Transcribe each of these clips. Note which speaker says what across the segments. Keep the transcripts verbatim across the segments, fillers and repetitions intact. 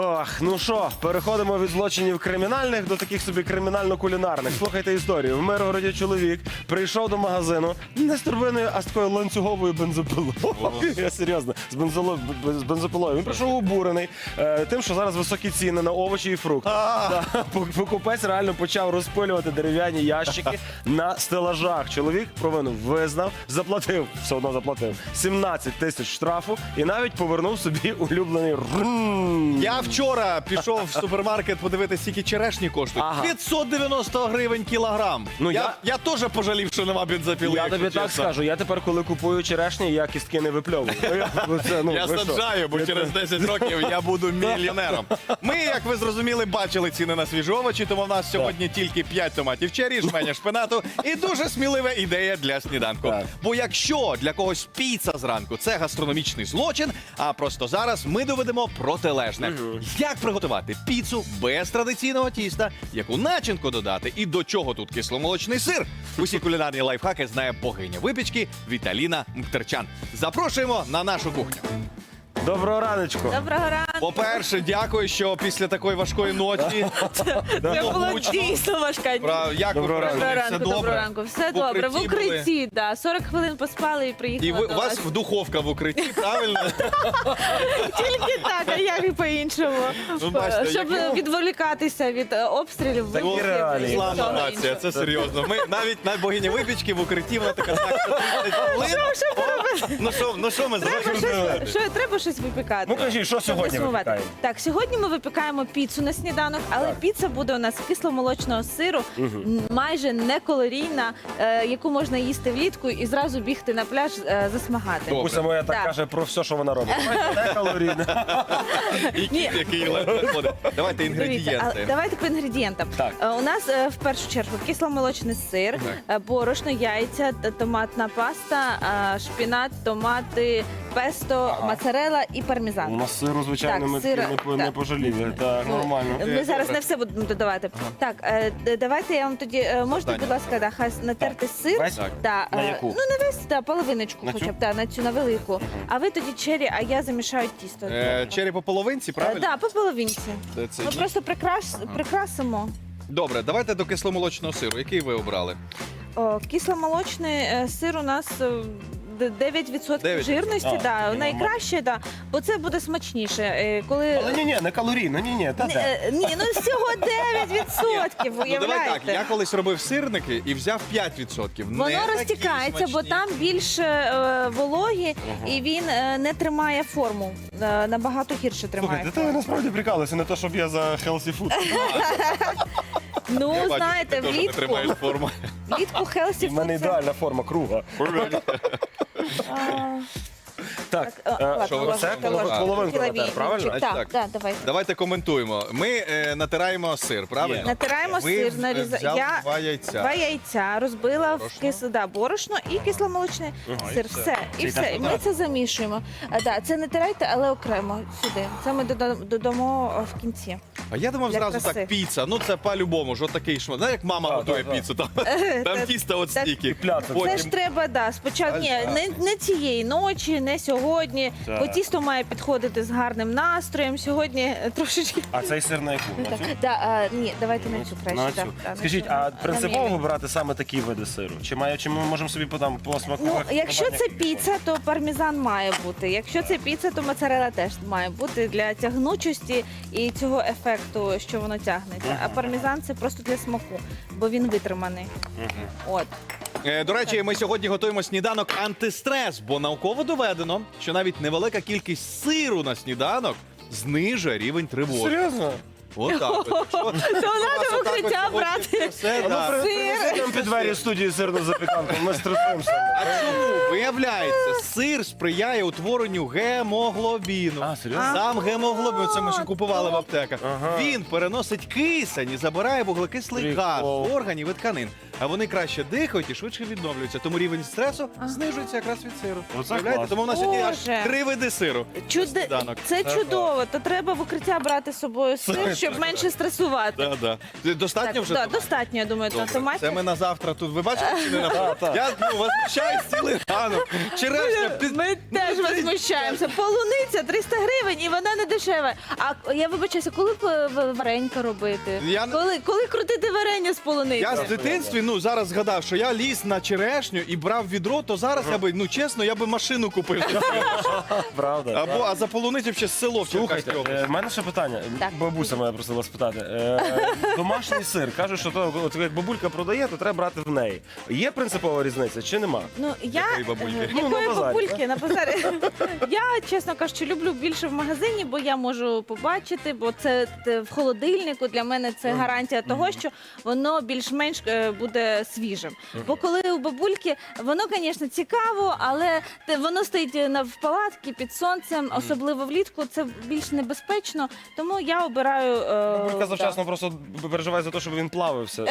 Speaker 1: Ох, ну що, переходимо від злочинів кримінальних до таких собі кримінально-кулінарних. Слухайте історію. В Миргороді чоловік прийшов до магазину не з турбиною, а з такою ланцюговою бензопилою. Я серйозно, з, бензоло... з бензопилою. Він прийшов обурений е, тим, що зараз високі ціни на овочі і фрукти. Та, покупець реально почав розпилювати дерев'яні ящики на стелажах. Чоловік провину визнав, заплатив, все одно заплатив, сімнадцять тисяч штрафу і навіть повернув собі улюблений рум.
Speaker 2: Я вчора пішов в супермаркет подивитися, скільки черешні коштують.
Speaker 1: Ага.
Speaker 2: п'ятсот дев'яносто гривень кілограм.
Speaker 1: Ну,
Speaker 2: я,
Speaker 1: я-
Speaker 2: я теж пожалів, що нема бензопіли.
Speaker 1: Я
Speaker 2: якщо
Speaker 1: тобі так
Speaker 2: чесно.
Speaker 1: скажу, я тепер, коли купую черешні, я кістки не випльовую. Ну, я ну, це, ну,
Speaker 2: Я
Speaker 1: ви що?
Speaker 2: саджаю, бо через десять років я буду мільйонером. Ми, як ви зрозуміли, бачили ціни на свіжі овочі, тому в нас сьогодні тільки п'ять томатів черрі, жменя шпинату і дуже смілива ідея для сніданку.
Speaker 1: Так.
Speaker 2: Бо якщо для когось піца зранку – це гастрономічний злочин, а просто зараз ми доведемо протилежне. Як приготувати піцу без традиційного тіста, яку начинку додати і до чого тут кисломолочний сир? Усі кулінарні лайфхаки знає богиня випічки Віталіна Мктерчан. Запрошуємо на нашу кухню.
Speaker 1: Доброго раночку.
Speaker 3: Доброго ранку.
Speaker 2: По-перше, дякую, що після такої важкої ночі...
Speaker 3: Це була
Speaker 2: гучно.
Speaker 3: дійсно важка.
Speaker 2: Про- Як ви
Speaker 1: Доброго
Speaker 2: прожили?
Speaker 3: Доброго
Speaker 2: Все
Speaker 3: ранку,
Speaker 2: добре?
Speaker 3: доброго ранку. Все
Speaker 2: В
Speaker 3: добре. В
Speaker 2: укритті були?
Speaker 3: укритті, да. сорок хвилин поспали і приїхали
Speaker 2: І ви,
Speaker 3: до
Speaker 2: у вас в духовка в укритті, правильно?
Speaker 3: Тільки так, а як і по-іншому.
Speaker 2: Ну, бачите,
Speaker 3: Щоб
Speaker 2: як-
Speaker 3: відволікатися від е, обстрілів,
Speaker 1: Такі
Speaker 3: вибухів
Speaker 1: реалії.
Speaker 3: і
Speaker 2: Слава
Speaker 3: всього
Speaker 2: нація,
Speaker 3: іншого.
Speaker 2: це серйозно. Ми навіть на богиня випічки в укритті, вона така, так, тридцять хвилин. О, Ну що, ну що ми
Speaker 3: Треба
Speaker 2: зробимо?
Speaker 3: щось, що, треба щось випікати.
Speaker 1: Ну кажіть, що
Speaker 3: Щоб
Speaker 1: сьогодні
Speaker 3: не сумувати.
Speaker 1: випікаємо?
Speaker 3: Так, сьогодні ми випікаємо піцу на сніданок, але
Speaker 1: Так.
Speaker 3: піца буде у нас з кисломолочного сиру, м, майже некалорійна, е, яку можна їсти влітку і зразу бігти на пляж е, засмагати.
Speaker 2: Добре.
Speaker 1: Буся моя так
Speaker 3: Так.
Speaker 1: каже про все, що вона робить. Не калорійне.
Speaker 2: І кіт,
Speaker 3: Ні.
Speaker 2: який ледве ходить. Давайте
Speaker 3: Дивіться, а
Speaker 2: інгредієнти.
Speaker 3: давайте по інгредієнтам.
Speaker 1: Так.
Speaker 3: Е, У нас е, в першу чергу кисломолочний сир, е, борошно, яйця, т- томатна паста, е, шпінат, томати, песто, моцарелла і
Speaker 1: У
Speaker 3: пармезан.
Speaker 1: нас сиру, звичайно,
Speaker 3: Так,
Speaker 1: ми
Speaker 3: сира-
Speaker 1: не, по- не
Speaker 3: так.
Speaker 1: пожаліли. Так, нормально.
Speaker 3: Ми зараз не все будемо додавати. Так, е, д- давайте я вам тоді е, можете,
Speaker 2: Завдання.
Speaker 3: будь ласка, да, хай натерти сир.
Speaker 1: Весь?
Speaker 2: Так.
Speaker 3: Да,
Speaker 1: На
Speaker 3: е,
Speaker 1: яку?
Speaker 3: Ну не весь, да, половиночку,
Speaker 1: На
Speaker 3: хоча
Speaker 1: цю?
Speaker 3: б да, на цю на велику. А ви тоді чері, а я замішаю тісто.
Speaker 2: Е, Чері по половинці,
Speaker 3: Е,
Speaker 2: правильно?
Speaker 3: да, по половинці.
Speaker 2: Це- це
Speaker 3: Ми
Speaker 2: ні?
Speaker 3: просто прикрас, прикрасимо.
Speaker 2: Добре, давайте до кисломолочного сиру. Який ви обрали?
Speaker 3: О, кисломолочний е, сир у нас е, д- дев'ять відсотків
Speaker 2: дев'ять.
Speaker 3: жирності,
Speaker 1: А,
Speaker 3: да,
Speaker 1: ну,
Speaker 3: найкраще, да, бо це буде смачніше. е, Коли...
Speaker 1: Але ні, ні, не калорійно, ні, ні, та
Speaker 3: Ні,
Speaker 1: де.
Speaker 3: е, ні, ну всього дев'ять відсотків,
Speaker 2: Ну давай так,
Speaker 3: уявляєте?
Speaker 2: я колись робив сирники і взяв п'ять відсотків. Не
Speaker 3: Воно
Speaker 2: такі
Speaker 3: розтікається, бо
Speaker 2: смачні.
Speaker 3: там більше е, вологі, і він е, не тримає форму. Е, набагато гірше тримає.
Speaker 1: Слухайте, ти насправді прикалуєшся, не то, щоб я за healthy food.
Speaker 3: Ну,
Speaker 2: Я бачу,
Speaker 3: знаєте,
Speaker 2: ти теж не
Speaker 3: влітку,
Speaker 2: тримаєш форму.
Speaker 3: влітку хелсі
Speaker 1: В мене ідеальна форма круга. Так,
Speaker 3: Так, а,
Speaker 1: е,
Speaker 3: ладно,
Speaker 2: що ви-
Speaker 1: це
Speaker 3: ложечка,
Speaker 2: половинку
Speaker 3: ложечка.
Speaker 1: натер,
Speaker 3: Кіловій-
Speaker 1: правильно?
Speaker 3: Так,
Speaker 2: Так.
Speaker 3: так, давайте.
Speaker 2: Давайте коментуємо. Ми е, натираємо сир, правильно?
Speaker 3: Натираємо
Speaker 2: Ви
Speaker 3: сир,
Speaker 2: в-
Speaker 3: наріза-
Speaker 2: взяли
Speaker 3: я
Speaker 2: два яйця.
Speaker 3: Два яйця розбила в
Speaker 2: Борошно?
Speaker 3: кис... да, борошно і кисломолочний
Speaker 1: Ага,
Speaker 3: сир.
Speaker 1: і все.
Speaker 3: Все, і
Speaker 1: Це
Speaker 3: все.
Speaker 1: так,
Speaker 3: І ми
Speaker 1: так.
Speaker 3: це замішуємо. А, да, це не тирайте, але окремо сюди. Це ми дода- додамо о, в кінці.
Speaker 2: А я думав
Speaker 3: Для
Speaker 2: зразу
Speaker 3: краси.
Speaker 2: так, піца. Ну це по-любому, ж отакий шмат. Знаєш, як мама
Speaker 1: Так,
Speaker 2: готує
Speaker 1: так, так.
Speaker 2: піцу, там, там
Speaker 3: Так,
Speaker 2: тісто от
Speaker 3: так.
Speaker 2: стільки.
Speaker 1: Пляцок.
Speaker 3: Це
Speaker 2: Потім
Speaker 3: ж треба, да, спочатку ні,
Speaker 2: Альфа.
Speaker 3: не, не цієї ночі, не сьогодні.
Speaker 1: Так.
Speaker 3: Бо тісто має підходити з гарним настроєм. Сьогодні е, трошечки.
Speaker 1: А цей сир на яку? На
Speaker 3: Так,
Speaker 1: цю?
Speaker 3: да, а, ні, давайте на цю краще.
Speaker 1: На
Speaker 3: да,
Speaker 1: цю.
Speaker 3: да, на
Speaker 1: Скажіть,
Speaker 3: цю.
Speaker 1: а
Speaker 3: На
Speaker 1: принципово
Speaker 3: мілі.
Speaker 1: вибирати саме такі види сиру? Чи має, чи ми можемо собі там по смаку?
Speaker 3: Ну,
Speaker 1: вибрати
Speaker 3: якщо це
Speaker 1: який
Speaker 3: піца, то пармезан має бути. Якщо це піца, то моцарелла теж має бути для тягнучості і цього ефекту, що воно тягнеться. А пармезан це просто для смаку, бо він витриманий. От.
Speaker 2: Е, До речі, ми сьогодні готуємо сніданок антистрес, бо науково доведено, що навіть невелика кількість сиру на сніданок знижує рівень тривоги.
Speaker 1: Серйозно?
Speaker 2: Отак. от. Якщо
Speaker 3: То
Speaker 2: у вас
Speaker 3: треба в
Speaker 2: отак
Speaker 3: укриття
Speaker 2: от хочеться
Speaker 3: брати.
Speaker 2: все,
Speaker 1: А ну,
Speaker 2: да.
Speaker 1: при-
Speaker 3: Сир.
Speaker 1: принеси нам під двері студії сирну запіканку, ми стресуємося.
Speaker 2: А чому? Виявляється, сир сприяє утворенню гемоглобіну.
Speaker 1: А, серйозно?
Speaker 2: Сам гемоглобін, це ми ще купували в аптеках.
Speaker 1: Ага.
Speaker 2: Він переносить кисень і забирає вуглекислий газ
Speaker 1: Прикол.
Speaker 2: з органів і тканин. а вони краще дихають і швидше відновлюються. Тому рівень стресу знижується якраз від сиру.
Speaker 1: Оце
Speaker 2: Уявляєте?
Speaker 1: клас.
Speaker 2: Тому в нас сьогодні аж
Speaker 3: Боже.
Speaker 2: три види сиру.
Speaker 3: Чуде...
Speaker 2: Сніданок.
Speaker 3: Це чудово. То треба в укриття брати з собою сир, щоб менше стресувати.
Speaker 2: Да, да. Достатньо
Speaker 3: Так,
Speaker 2: вже?
Speaker 3: да,
Speaker 2: томатів?
Speaker 3: достатньо, я думаю,
Speaker 2: Добре.
Speaker 3: томатів.
Speaker 2: Це ми на завтра тут. Ви бачите, чи не на Я ну, возмущаюсь цілий ранок. Черешня під...
Speaker 3: Ми теж возмущаємося. Полуниця триста гривень і вона не дешева. А я вибачаюся, коли б в- варенька робити?
Speaker 2: Я-
Speaker 3: Коли, коли крутити варення з полуниці?
Speaker 2: Я з дитинстві, ну, зараз згадав, що я ліз на черешню і брав відро, то зараз я би, ну, чесно, я би машину купив.
Speaker 1: Правда.
Speaker 2: Або, а за полуницю ще село в
Speaker 1: Слухайте,
Speaker 2: Черкаській
Speaker 1: е,
Speaker 2: області.
Speaker 1: в мене ще питання.
Speaker 3: Так.
Speaker 1: Бабуся мене просила спитати. Е, домашній сир. Кажуть, що то, от, як бабулька продає, то треба брати в неї. Є принципова різниця чи нема?
Speaker 3: Ну, я...
Speaker 2: Якої бабульки?
Speaker 3: Е,
Speaker 1: Ну, на
Speaker 3: Якої
Speaker 1: базарі,
Speaker 3: бабульки? На базарі. Я, чесно кажучи, люблю більше в магазині, бо я можу побачити, бо це те, в холодильнику для мене це гарантія того, що воно більш-менш е, буде свіжим. Бо коли у бабульки, воно, звісно, цікаво, але те- воно стоїть на в палатці під сонцем, особливо влітку, це більш небезпечно, тому я обираю... е,
Speaker 1: Бабулька
Speaker 3: да.
Speaker 1: завчасно просто переживає за те, щоб він плавився.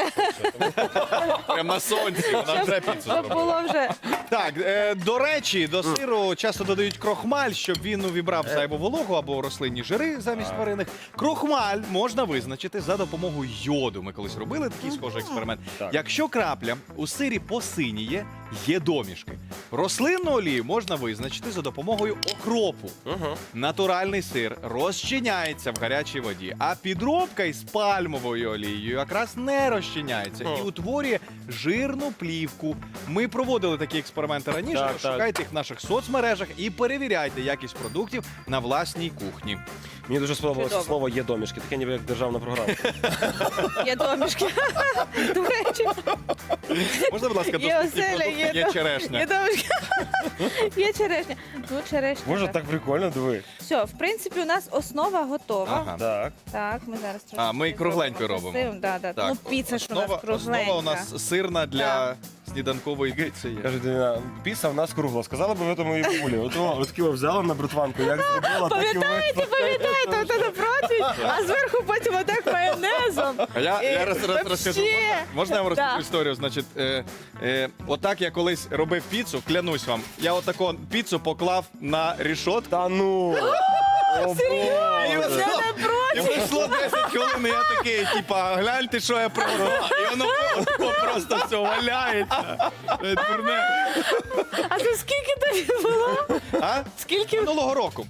Speaker 2: Прямо на сонці, вона вже піцу
Speaker 3: Щоб
Speaker 2: зробила.
Speaker 3: було вже...
Speaker 2: Так, е, до речі, до сиру часто додають крохмаль, щоб він увібрав зайву вологу або рослинні жири замість тваринних. Крохмаль можна визначити за допомогою йоду. Ми колись робили такий схожий експеримент.
Speaker 1: Так.
Speaker 2: Якщо крапля у сирі посиніє, є домішки. Рослинну олію можна визначити за допомогою окропу.
Speaker 1: Угу.
Speaker 2: Натуральний сир розчиняється в гарячій воді, а підробка із пальмовою олією якраз не розчиняється і
Speaker 1: О.
Speaker 2: утворює жирну плівку. Ми проводили такі експерименти раніше.
Speaker 1: Так, так.
Speaker 2: Шукайте їх в наших соцмережах і перевіряйте якість продуктів на власній кухні.
Speaker 1: Мені дуже сподобалося
Speaker 3: Чудово.
Speaker 1: слово є домішки, таке ніби як державна програма.
Speaker 3: Є домішки. До речі,
Speaker 2: Можна, будь ласка,
Speaker 3: Є
Speaker 2: доступні
Speaker 3: оселя,
Speaker 2: продукти?
Speaker 3: є
Speaker 2: Є
Speaker 3: дом-
Speaker 2: черешня.
Speaker 3: є домішки. Є черешня. Ну, черешня.
Speaker 1: Боже,
Speaker 3: так.
Speaker 1: так прикольно, диви.
Speaker 3: Все, в принципі, у нас основа готова.
Speaker 2: Ага.
Speaker 1: Так.
Speaker 3: Так, ми зараз трошки.
Speaker 2: А, ми кругленько робимо.
Speaker 3: Да, да.
Speaker 2: Так,
Speaker 3: Ну, піца ж у нас
Speaker 2: основа,
Speaker 3: кругленька.
Speaker 2: основа у нас сирна для сніданкової піци є.
Speaker 1: Каже, Діна, піса в нас кругла. Сказала би ви тому і бабулі. От о, от такі взяла на бритванку, як зробила, так і
Speaker 3: Пам'ятаєте, пам'ятаєте, ото на противень, а зверху потім отак майонезом.
Speaker 2: А я, я
Speaker 3: І
Speaker 2: раз, раз
Speaker 3: вообще.
Speaker 2: розкажу. Можна, можна я вам розкажу
Speaker 3: Да.
Speaker 2: історію? Значить, е, е, отак я колись робив піцу, клянусь вам. Я отаку піцу поклав на рішот.
Speaker 1: Та ну. О, Боже.
Speaker 2: І
Speaker 3: Я
Speaker 2: пройшло-
Speaker 3: не
Speaker 2: І
Speaker 3: проти.
Speaker 2: пройшло десять хвилин, і я такий, типа, гляньте, що я приготував. І воно отако просто все валяється. Е, дурне.
Speaker 3: А це скільки тобі було?
Speaker 2: А?
Speaker 3: Скільки?
Speaker 2: Минулого року.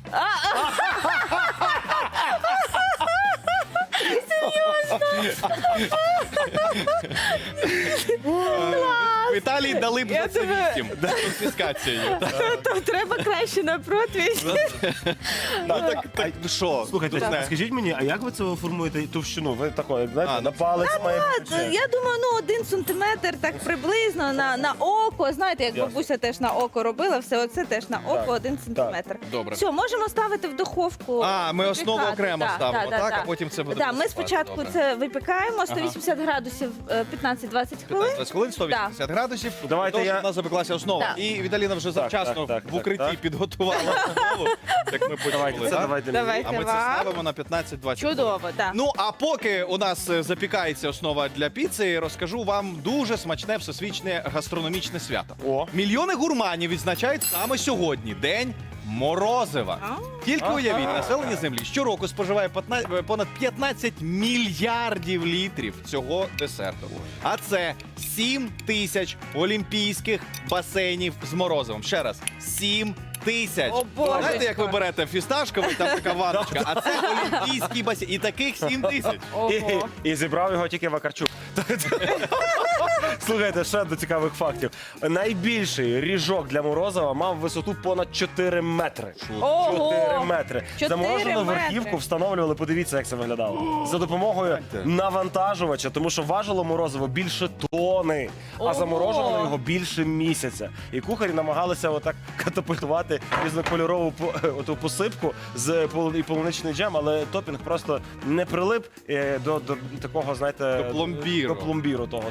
Speaker 2: В Італії дали б
Speaker 3: Я
Speaker 2: за це
Speaker 3: тебе-
Speaker 2: вісім з конфіскацією.
Speaker 3: То треба краще на противень.
Speaker 2: Ну так, так, ну що?
Speaker 1: Слухайте,
Speaker 2: дурне.
Speaker 1: скажіть мені, а як ви це формуєте товщину? Ви такої, знаєте,
Speaker 2: А,
Speaker 1: на
Speaker 2: ну,
Speaker 1: палець має бути?
Speaker 3: Та, Я думаю, ну один сантиметр так приблизно на, на око. Знаєте, як
Speaker 1: Ясно.
Speaker 3: бабуся теж на око робила, все оце теж на око
Speaker 1: Так,
Speaker 3: один сантиметр.
Speaker 2: Добре.
Speaker 3: Все, можемо ставити в духовку.
Speaker 2: А, ми основу
Speaker 3: випікати.
Speaker 2: окремо
Speaker 3: Да,
Speaker 2: ставимо,
Speaker 3: да, да,
Speaker 2: так?
Speaker 3: да.
Speaker 2: А потім це буде
Speaker 3: Да, ми
Speaker 2: посипати.
Speaker 3: спочатку
Speaker 2: Добре.
Speaker 3: це випікаємо сто вісімдесят градусів е, п'ятнадцять-двадцять хвилин.
Speaker 2: п'ятнадцять хвилин, сто вісімдесят градусів.
Speaker 1: Давайте
Speaker 2: Тож
Speaker 1: я-
Speaker 2: у нас запеклася основа.
Speaker 3: Так.
Speaker 2: І Віталіна вже завчасно
Speaker 1: так, так,
Speaker 2: в укритті
Speaker 1: так, так.
Speaker 2: підготувала основу. Так ми
Speaker 1: Давайте,
Speaker 2: почули,
Speaker 1: це
Speaker 2: так?
Speaker 1: давайте.
Speaker 3: Давайте.
Speaker 2: А ми це
Speaker 3: вам.
Speaker 2: ставимо на п'ятнадцять-двадцять хвилин.
Speaker 3: Чудово, так.
Speaker 2: Ну, а поки у нас е, запікається основа для піци, розкажу вам дуже смачне всесвітнє гастрономічне свято.
Speaker 1: О.
Speaker 2: Мільйони гурманів відзначають саме сьогодні День морозива.
Speaker 3: А?
Speaker 2: Тільки
Speaker 1: Ага.
Speaker 2: уявіть, населення землі щороку споживає пятна- понад п'ятнадцять мільярдів літрів цього десерту. А це сім тисяч олімпійських басейнів з морозивом. Ще раз, сім тисяч.
Speaker 3: О, божечко.
Speaker 2: Знаєте, як ви берете фісташковий, там така ванночка, а це олімпійський басейн. І таких сім тисяч.
Speaker 3: Ого.
Speaker 1: І, і зібрав його тільки Вакарчук. Слухайте, ще до цікавих фактів. Найбільший ріжок для Морозова мав висоту понад чотири метри.
Speaker 3: Ого!
Speaker 1: чотири метри.
Speaker 3: Чотири
Speaker 1: Заморожену
Speaker 3: метри.
Speaker 1: верхівку встановлювали, подивіться, як це виглядало. За допомогою навантажувача, тому що важило морозиво більше тони, а
Speaker 3: Ого!
Speaker 1: заморожували його більше місяця. І кухарі намагалися отак катапультувати різнокольорову по- оту посипку з полу- і полуничний джем, але топінг просто не прилип е, до, до такого, знаєте,
Speaker 2: До пломбіру.
Speaker 1: До пломбіру того.
Speaker 2: Вау.
Speaker 3: Нічого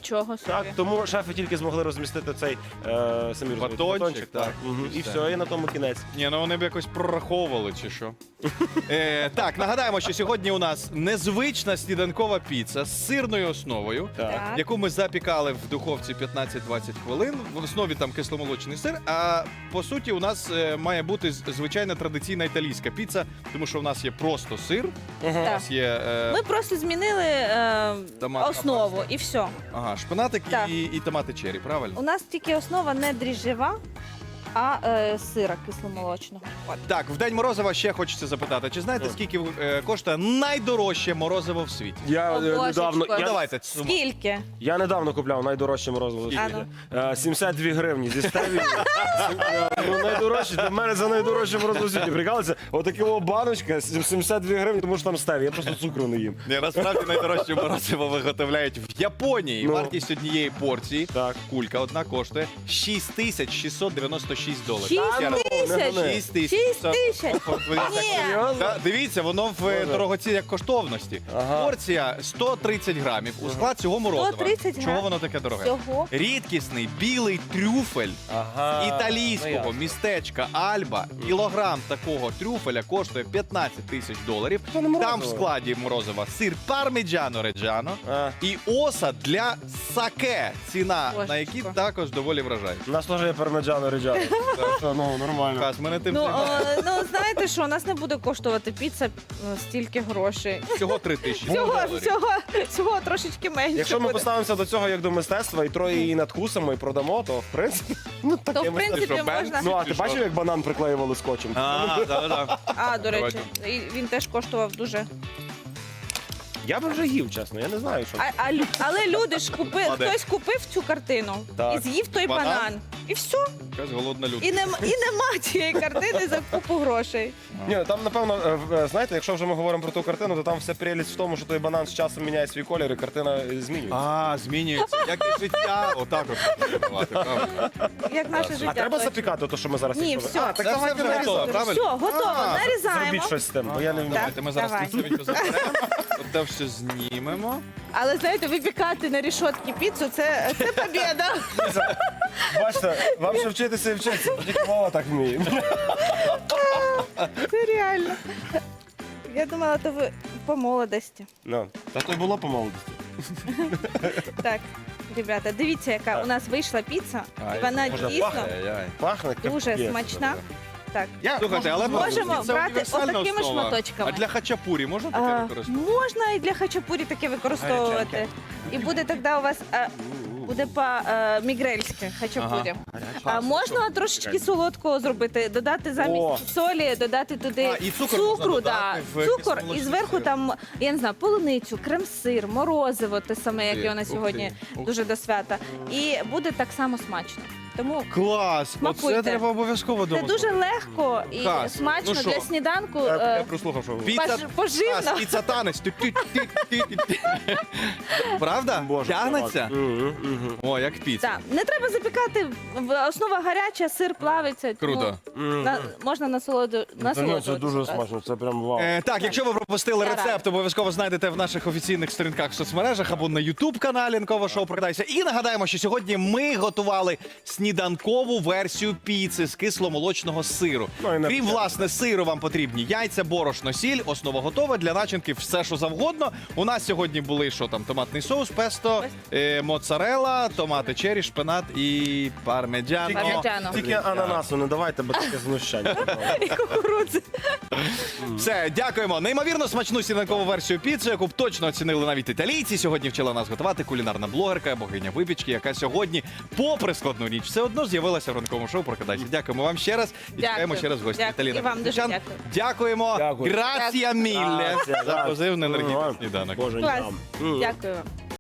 Speaker 3: Нічого собі.
Speaker 1: Так, тому шефи тільки змогли розмістити цей е, самі розумієте,
Speaker 2: Батончик,
Speaker 1: батончик,
Speaker 2: так.
Speaker 1: так. Мгм. І
Speaker 2: Все.
Speaker 1: все, і на тому кінець.
Speaker 2: Ні, ну вони б якось прораховували чи що. Е, так, нагадаємо, що сьогодні у нас незвична сніданкова піца з сирною основою,
Speaker 1: Так.
Speaker 2: яку ми запікали в духовці п'ятнадцять-двадцять хвилин. В основі там кисломолочний сир. А по суті, у нас е, має бути з- звичайна традиційна італійська піца, тому що у нас є просто сир, у
Speaker 3: Так.
Speaker 2: нас є е,
Speaker 3: Ми просто змінили е,
Speaker 2: Томатна
Speaker 3: основу
Speaker 2: паста.
Speaker 3: і все.
Speaker 2: ага, шпинатик
Speaker 3: Так.
Speaker 2: і, і томати чері, правильно?
Speaker 3: У нас тільки основа не дріжджева, а е, сира кисломолочного. От.
Speaker 2: Так, в день морозива ще хочеться запитати, чи знаєте, скільки е, коштує найдорожче морозиво в світі?
Speaker 1: Я
Speaker 3: О,
Speaker 1: е,
Speaker 3: божечко.
Speaker 1: недавно,
Speaker 2: Ну,
Speaker 1: я,
Speaker 2: давайте. суму.
Speaker 3: Скільки?
Speaker 1: я недавно купляв найдорожче морозиво. в
Speaker 3: А
Speaker 1: світі.
Speaker 3: ну.
Speaker 1: Е, сімдесят дві гривні зі стеві. Ну, найдорожче, для мене це найдорожче морозиво в світі. Прикалується, отака баночка, сімдесят дві гривні, тому що там стеві. Я просто цукру не їм.
Speaker 2: Ні, насправді найдорожче морозиво виготовляють в Японії.
Speaker 1: Ну.
Speaker 2: Вартість однієї порції,
Speaker 1: Так.
Speaker 2: кулька одна коштує шість тисяч шістсот дев'яносто шість доларів.
Speaker 3: Шість
Speaker 2: Я раз-
Speaker 3: тисяч?
Speaker 2: шість тисяч.
Speaker 3: Шість тисяч?
Speaker 2: От ви-
Speaker 3: Ні.
Speaker 2: Та, дивіться, воно в е, дорогоцінях коштовності.
Speaker 1: Ага.
Speaker 2: Порція сто тридцять грамів. У склад цього морозива.
Speaker 3: сто тридцять
Speaker 2: Чого
Speaker 3: грам?
Speaker 2: воно таке дороге?
Speaker 3: Всього?
Speaker 2: Рідкісний білий трюфель
Speaker 1: Ага.
Speaker 2: італійського містечка Альба. Кілограм такого трюфеля коштує п'ятнадцять тисяч доларів.
Speaker 1: Це не морозиво.
Speaker 2: Там в складі морозива сир парміджано реджано
Speaker 1: А.
Speaker 2: і осад для саке. Ціна
Speaker 3: Божечко.
Speaker 2: на які також доволі вражає.
Speaker 1: У нас теж є пармеджано реджано. Так що, ну, нормально.
Speaker 2: Каз, ми не тим
Speaker 3: Ну,
Speaker 2: займаємося.
Speaker 3: е, ну знаєте що, у нас не буде коштувати піца е, стільки грошей.
Speaker 2: Всього три тисячі
Speaker 3: Всього,
Speaker 2: доларів.
Speaker 3: всього, всього трошечки менше.
Speaker 1: Якщо ми
Speaker 3: буде.
Speaker 1: поставимося до цього як до мистецтва і троє її надкусимо і продамо, то в принципі, ну таке
Speaker 3: То в
Speaker 1: мистецтво.
Speaker 3: принципі
Speaker 2: що,
Speaker 3: можна.
Speaker 1: Ну, а
Speaker 2: Чи
Speaker 1: ти
Speaker 2: що?
Speaker 1: бачив, як банан приклеювали скотчем?
Speaker 2: А, да, да.
Speaker 3: А, до речі,
Speaker 2: Давайте.
Speaker 3: і він теж коштував дуже.
Speaker 1: Я би вже їв, чесно, я не знаю, що.
Speaker 3: А, а, лю- але люди ж купили,
Speaker 2: Ладно.
Speaker 3: хтось купив цю картину
Speaker 1: Так.
Speaker 3: і з'їв той
Speaker 2: Банан?
Speaker 3: банан. І все.
Speaker 2: Якась голодна людина.
Speaker 3: І, нем, і нема цієї картини за купу грошей.
Speaker 1: Ні, ну, там, напевно, е, в- е, знаєте, якщо вже ми говоримо про ту картину, то там вся прелість в тому, що той банан з часом міняє свій колір і картина е, змінюється.
Speaker 2: А, змінюється. Як і життя. Отак от. відбувати, правильно?
Speaker 3: Як наше
Speaker 1: А
Speaker 3: життя.
Speaker 1: треба
Speaker 3: точно.
Speaker 1: запікати те, що ми зараз
Speaker 3: Ні,
Speaker 1: їх
Speaker 3: все.
Speaker 1: А, так
Speaker 2: Це
Speaker 1: давайте
Speaker 2: все вже
Speaker 1: нарізати.
Speaker 2: готово, правильно?
Speaker 3: Все, готово.
Speaker 2: А,
Speaker 3: Нарізаємо.
Speaker 1: Зробіть щось з тим, бо я не вмію.
Speaker 2: Давайте ми зараз
Speaker 3: Давай.
Speaker 2: тістовенько заберемо. Оте все знімемо.
Speaker 3: Але знаєте, випікати на рішотки піцу це, це побєда.
Speaker 1: Бачите, вам ще вчитися і вчитися, бо тільки мова так вміє.
Speaker 3: Це реально. Я думала, то ви по молодості.
Speaker 1: Ну, та то й було по молодості.
Speaker 3: Так, ребята, дивіться, яка у нас вийшла піца.
Speaker 2: Ай,
Speaker 3: І вона
Speaker 1: може,
Speaker 3: дійсно
Speaker 2: Ай-яй.
Speaker 1: Пахне
Speaker 3: дуже
Speaker 1: капець.
Speaker 3: смачна. Так.
Speaker 1: Я,
Speaker 2: Слухайте, але
Speaker 3: Можемо
Speaker 2: це
Speaker 3: брати
Speaker 2: універсальна
Speaker 3: отакими
Speaker 2: основа.
Speaker 3: шматочками.
Speaker 2: А для хачапурі можна таке
Speaker 3: А,
Speaker 2: використовувати?
Speaker 3: можна і для хачапурі таке використовувати. І буде тоді у вас а, буде по е, мігрельськи хачапурі. А можна трошечки солодкого зробити, додати замість
Speaker 1: О.
Speaker 3: солі, додати туди
Speaker 2: А, і цукор можна
Speaker 3: цукру,
Speaker 2: додати
Speaker 3: да,
Speaker 2: в
Speaker 3: цукор, і
Speaker 2: кисломолочний
Speaker 3: зверху
Speaker 2: сир.
Speaker 3: там, я не знаю, полуницю, крем-сир, морозиво, те саме,
Speaker 2: Ух ти,
Speaker 3: яке у нас
Speaker 2: ух
Speaker 3: сьогодні
Speaker 2: ти, ух
Speaker 3: дуже до свята. І буде так само смачно. Тому
Speaker 2: Клас!
Speaker 3: Смакуйте.
Speaker 2: Оце треба обов'язково
Speaker 3: це
Speaker 2: вдома.
Speaker 3: дуже легко і
Speaker 2: Клас.
Speaker 3: смачно
Speaker 2: Ну що?
Speaker 3: для сніданку.
Speaker 1: я, я
Speaker 3: е,
Speaker 1: прослухав, що ви.
Speaker 2: Піца,
Speaker 3: Пож- поживно.
Speaker 2: Клас, піца танець. Тю-тю-тю-тю-тю. Правда?
Speaker 1: Боже,
Speaker 2: Тягнеться?
Speaker 1: Мгм, мгм.
Speaker 2: О, як піца.
Speaker 3: Так, не треба запікати. в- Основа гаряча, сир плавиться. тому
Speaker 2: Круто.
Speaker 3: на- можна насолоду,
Speaker 1: Та ні, це
Speaker 3: насолоджуватися.
Speaker 1: дуже смачно, це прям вау.
Speaker 2: Е, так, якщо ви пропустили
Speaker 3: Я
Speaker 2: рецепт, обов'язково знайдете в наших офіційних сторінках в соцмережах або на ютуб-каналі Ранкове шоу «Прокидайся». І нагадаємо, що сьогодні ми готували сніданкову версію піци з кисломолочного сиру.
Speaker 1: Ну, і не
Speaker 2: Крім,
Speaker 1: все.
Speaker 2: власне, сиру вам потрібні яйця, борошно, сіль, основа готова, для начинки все, що завгодно. У нас сьогодні були, що там, томатний соус, песто, е, моцарелла, томати чері, шпинат і пармеджано.
Speaker 3: Пармеджано.
Speaker 1: Тільки ананасу не давайте, бо таке знущання.
Speaker 3: І кукурудзи.
Speaker 2: Все, дякуємо. Неймовірно смачну сніданкову версію піци, яку б точно оцінили навіть італійці. Сьогодні вчила нас готувати кулінарна блогерка, богиня випічки, яка сьогодні, попри складну ніч, все одно з'явилася в ранковому шоу «Прокидайся». Дякуємо вам ще раз і
Speaker 3: Дякую.
Speaker 2: чекаємо ще раз в гості.
Speaker 3: Дякую.
Speaker 2: Віталіна
Speaker 3: І вам дуже
Speaker 2: Костючан.
Speaker 3: дякую.
Speaker 2: Дякуємо.
Speaker 1: Дякую.
Speaker 2: Грація мілле
Speaker 1: Грація,
Speaker 2: за
Speaker 1: грація.
Speaker 2: позивний енергійний
Speaker 1: Ага.
Speaker 2: сніданок.
Speaker 1: Боже,
Speaker 3: Клас.
Speaker 1: ням.
Speaker 3: Дякую.